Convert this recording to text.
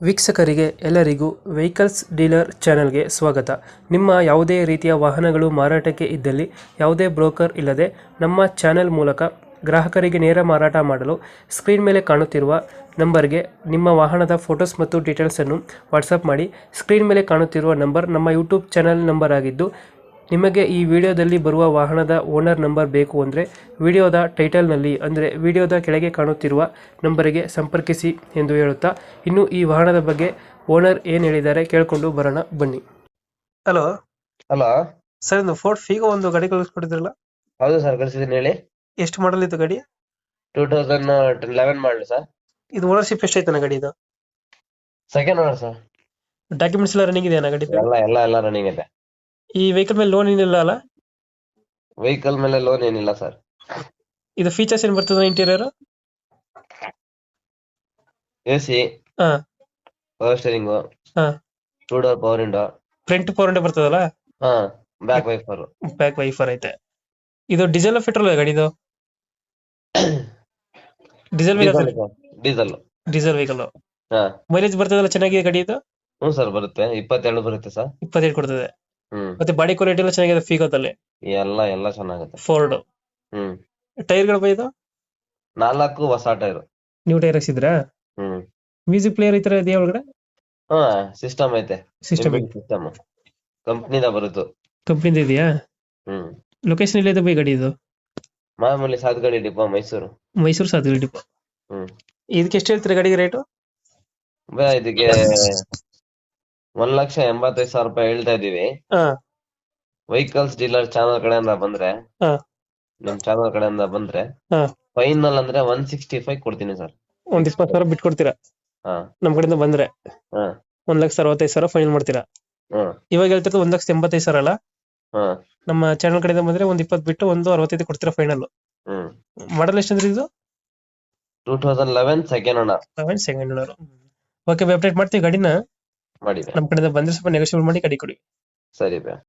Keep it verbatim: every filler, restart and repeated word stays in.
ವೀಕ್ಷಕರಿಗೆ ಎಲ್ಲರಿಗೂ vehicles dealer ಚಾನೆಲ್ಗೆ ಸ್ವಾಗತ. ನಿಮ್ಮ ಯಾವುದೇ ರೀತಿಯ ವಾಹನಗಳು ಮಾರಾಟಕ್ಕೆ ಇದ್ದಲ್ಲಿ ಯಾವುದೇ ಬ್ರೋಕರ್ ಇಲ್ಲದೆ ನಮ್ಮ ಚಾನೆಲ್ ಮೂಲಕ ಗ್ರಾಹಕರಿಗೆ ನೇರ ಮಾರಾಟ ಮಾಡಲು ಸ್ಕ್ರೀನ್ ಮೇಲೆ ಕಾಣುತ್ತಿರುವ ನಂಬರ್ಗೆ ನಿಮ್ಮ ವಾಹನದ ಫೋಟೋಸ್ ಮತ್ತು ಡೀಟೇಲ್ಸನ್ನು ವಾಟ್ಸಪ್ ಮಾಡಿ. ಸ್ಕ್ರೀನ್ ಮೇಲೆ ಕಾಣುತ್ತಿರುವ ನಂಬರ್ ನಮ್ಮ ಯೂಟ್ಯೂಬ್ ಚಾನೆಲ್ ನಂಬರ್ ಆಗಿದ್ದು, ನಿಮಗೆ ಈ ವಿಡಿಯೋದಲ್ಲಿ ಬರುವ ವಾಹನದ ಓನರ್ ನಂಬರ್ ಬೇಕು ಅಂದರೆ ವಿಡಿಯೋದ ಟೈಟಲ್ನಲ್ಲಿ ಅಂದರೆ ವಿಡಿಯೋದ ಕೆಳಗೆ ಕಾಣುತ್ತಿರುವ ನಂಬರಿಗೆ ಸಂಪರ್ಕಿಸಿ ಎಂದು ಹೇಳುತ್ತಾ, ಇನ್ನು ಈ ವಾಹನದ ಬಗ್ಗೆ ಓನರ್ ಏನು ಹೇಳಿದ್ದಾರೆ ಕೇಳಿಕೊಂಡು ಬರೋಣ ಬನ್ನಿ. ಹಲೋ ಹಲೋ ಸರ್, ಒಂದು ಫೋರ್ಡ್ ಫೀಗೋ ಒಂದು ಗಾಡಿ ಕಳಿಸ್ಕೊಟ್ಟಿದ್ರಲ್ಲ, ಹೌದು ಸರ್, ಕಳಿಸಿದ್ದೀನಿ ಹೇಳಿ. ಎಷ್ಟು ಮಾಡಲ್ ಇತ್ತು ಗಾಡಿ? ಟೂ ತೌಸಂಡ್ ಲೆವೆನ್ ಮಾಡಲಿ ಸರ್. ಇದು ಓನರ್ಶಿಪ್ ಎಷ್ಟೈತನ ಗಾಡಿ? ಇದು ಸೆಕೆಂಡ್ ಓನರ್ ಸರ್. ಡಾಕ್ಯುಮೆಂಟ್ಸ್ ಎಲ್ಲ ರನ್ನಿಂಗ್ ಇದೆಯಾ ಗಾಡಿ? ಎಲ್ಲ ಎಲ್ಲ ಎಲ್ಲ ರನ್ನಿಂಗ್ ಇದೆ. ಈ ವೆಹಿಕಲ್ ಮೇಲೆ ಲೋನ್ ಏನಿಲ್ಲ ಅಲ್ಲ? ವೆಹಿಕಲ್ ಮೇಲೆ ಲೋನ್ ಏನಿಲ್ಲ ಸರ್. ಇದು ಫೀಚರ್ಸ್ ಏನು ಬರ್ತದೆ ಇಂಟೀರಿಯರ್? ಎ ಸಿ, ಹಾ ಪವರ್ ಸ್ಟೇರಿಂಗು, ಹಾ two door power window, front four hundred ಬರ್ತದಲ್ಲ, ಹಾ ಬ್ಯಾಕ್ ವೈಫರ್. ಬ್ಯಾಕ್ ವೈಫರ್ ಐತೆ. ಇದು ಡೀಸೆಲ್ ಪೆಟ್ರೋಲ್ ಗಾಡಿದು? Diesel vehicle. Diesel diesel vehicle. ಹಾ ಮೈಲೇಜ್ ಬರ್ತದಲ್ಲ ಚೆನ್ನಾಗಿದೆ ಗಾಡಿ ಇದು? ಹ್ಞೂ ಸರ್, ಬರುತ್ತೆ. ಇಪ್ಪತ್ತೆರಡು ಬರುತ್ತೆ ಸರ್. ಇಪ್ಪತ್ತೈದು ಕೊಡ್ತದೆ. ಹ್ಮ್ ಮತ್ತೆ ಬಾಡಿ ಕ್ವಾಲಿಟಿ ಎಲ್ಲ ಚೆನ್ನಾಗಿದೆ ಫೀಗೋದಲ್ಲಿ? ಎಲ್ಲ ಎಲ್ಲ ಚೆನ್ನಾಗುತ್ತೆ. ಫೋರ್ಡ್. ಹ್ಮ್ ಟೈರ್ಗಳು ಬೈದು ನಾಲ್ಕು ಹೊಸ ಟೈರ್. ನ್ಯೂ ಟೈರ್ ಹಾಕ್ಸಿದ್ರಾ? ಹ್ಮ್ ಮ್ಯೂಸಿಕ್ ಪ್ಲೇಯರ್ ಈ ತರ ಇದೆಯಾ ಒಳಗಡೆ? ಹಾ ಸಿಸ್ಟಮ್ ಐತೆ. ಸಿಸ್ಟಮ್ ಸಿಸ್ಟಮ್ ಕಂಪ್ನಿದ ಬರುತ್ತೆ. ಕಂಪ್ನಿದ ಇದೆಯಾ? ಹ್ಮ್ ಲೊಕೇಶನ್ ಇಲ್ಲ ಇದೆ ಬೈ ಗಾಡಿ ಇದು? ಮಾಮೂಲಿ ಸಾತ್ಗಡಿ ಡಿಪೋ, ಮೈಸೂರು. ಮೈಸೂರು ಸಾಧು ಡಿಪೋ. ಹ್ಮ್ ಇದಕ್ಕೆ ಎಷ್ಟು ಹೇಳ್ತೀರಾ ಗಾಡಿಗೆ ರೇಟು? ಬೇ ಇದಕ್ಕೆ ಒಂದ್ ಲಕ್ಷ ಎಂಬತ್ತೈದು ಸಾವಿರ ರೂಪಾಯಿ ಹೇಳ್ತಾ ಇದೀವಿ. ಹಾ ವೆಹಿಕಲ್ಸ್ ಡೀಲರ್ ಚಾನಲ್ ಕಡೆಯಿಂದ ಬಂದ್ರೆ, ಹಾ ನಮ್ ಚಾನಲ್ ಕಡೆಯಿಂದ ಬಂದ್ರೆ ಹಾ ಫೈನಲ್ ಅಂದ್ರೆ ಒನ್ ಸಿಕ್ಸ್ಟಿ ಫೈವ್ ಕೊಡ್ತೀನಿ ಸರ್. ಒಂದ್ ಇಪ್ಪತ್ತು ಸಾವಿರ ಬಿಟ್ಕೊಡ್ತೀರಾ ಹಾ ನಮ್ ಕಡೆಯಿಂದ ಬಂದ್ರೆ? ಹಾ ಒಂದ್ ಲಕ್ಷ ಅರವತ್ತೈದು ಸಾವಿರ ಫೈನಲ್ ಮಾಡ್ತೀರಾ? ಹಾ ಇವಾಗ ಹೇಳ್ತಿರೋದು ಒಂದ್ ಲಕ್ಷ ಎಂಬತ್ತೈದು ಸಾವಿರ ಅಲ್ಲ? ಹಾ ನಮ್ಮ ಚಾನಲ್ ಕಡೆಯಿಂದ ಬಂದ್ರೆ ಒಂದ್ ಇಪ್ಪತ್ತು ಬಿಟ್ಟು ಒಂದು ಅರವತ್ತೈದು ಕೊಡ್ತೀರಾ ಫೈನಲ್? ಹ್ಮ್ ಮಾಡಲ್ ಎಷ್ಟಂದ್ರೆ ಇದು? Two thousand eleven second owner. Eleven second owner. Okay, update ಮಾಡ್ತೀವಿ ಗಾಡಿನ. ಮಾಡಿದೆ. ನಮ್ ಕಡೆಯಿಂದ ಬಂದ್ರೆ ಸ್ವಲ್ಪ ನೆಗೋಷಿಯೇಟ್ ಮಾಡಿ ಗಾಡಿ ಕೊಡಿ. ಸರಿ ಬೇ.